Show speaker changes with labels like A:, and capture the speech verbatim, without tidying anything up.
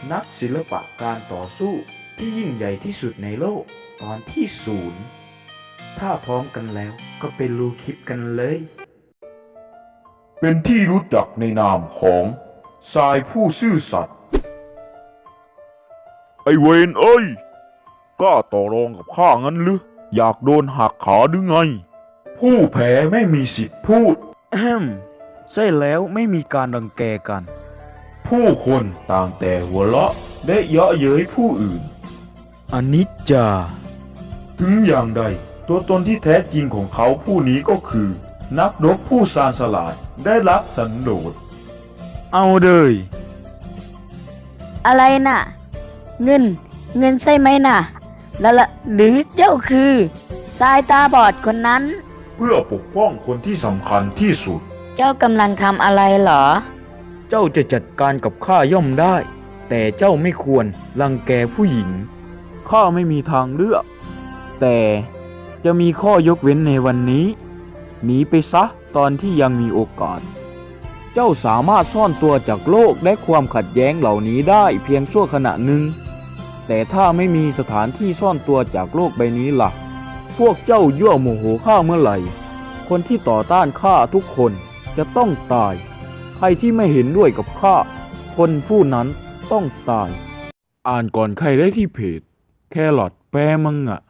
A: นักศิลปะการต่อสู้ที่ยิ่งใหญ่ที่สุดในโลกตอนที่ศูนย์ถ้าพร้อมกันแล้วก็ไปดูคลิปกันเลย
B: เป็นที่รู้จักในนามของทรายผู้ซื่อสัตย์ไอเวนเอ้ยกล้าต่อรองกับข้างั้นหรืออยากโดนหักขาหรือไง ผู้แพ้ไม่มีสิทธิ์พูด
A: แอมใช่แล้วไม่มีการรังแกกัน
B: ผู้คนต่างแต่หัวเราะและเยาะเย้ยผู้อื่น
A: อนิจจา
B: ถึงอย่างใดตัวตนที่แท้จริงของเขาผู้นี้ก็คือ นักรบผู้ชาญฉลาดได้รับสันโดษ
A: เอาเลย
C: อะไรน่ะ เงิน เงินใช่ไหมน่ะ แล้วละหรือเจ้าคือสายตาบอดคนนั้น
B: เพื่อปกป้องคนที่สำคัญที่สุด
C: เจ้ากำลังทำอะไรเหรอ
A: เจ้าจะจัดการกับข้าย่อมได้ แต่เจ้าไม่ควรรังแกผู้หญิงข้าไม่มีทางเลือก แต่จะมีข้อยกเว้นในวันนี้หนีไปซะตอนที่ยังมีโอกาส เจ้าสามารถซ่อนตัวจากโลกและความขัดแย้งเหล่านี้ได้เพียงชั่วขณะหนึ่งแต่ถ้าไม่มีสถานที่ซ่อนตัวจากโลกใบนี้ล่ะพวกเจ้ายั่วโมโหข้าเมื่อไหร่คนที่ต่อต้านข้าทุกคนจะต้องตายใครที่ไม่เห็นด้วยกับข้าคนผู้นั้นต้องตายอ่านก่อนใครได้ที่เพจแครอทแปลมังงะ